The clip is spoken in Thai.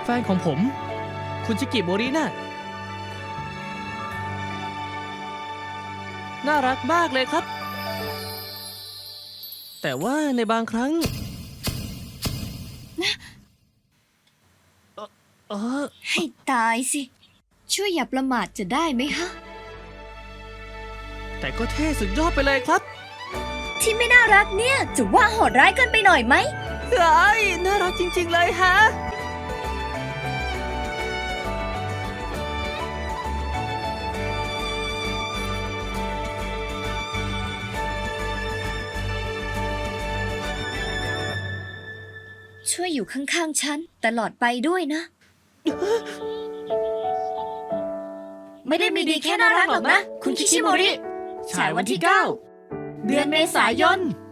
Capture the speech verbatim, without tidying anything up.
ฟนของผม คุณชิกิโมริน่ะน่ารักมากเลยครับ แต่ว่าในบางครั้งเอ่อเออให้ตายสิ ช่วยอย่าประมาทจะได้ไหมฮะแต่ก็เท่สุดยอดไปเลยครับที่ไม่น่ารักเนี่ย จะว่าโหดร้ายเกินไปหน่อยไหมเฮ้ยน่ารักจริงๆเลยฮะช่วยอยู่ข้างๆฉันตลอดไปด้วยนะ ไม่ได้มีดีแค่น่ารักหรอกนะ คุณคิชิโมริ ฉายวันที่เก้าเดือนเมษายน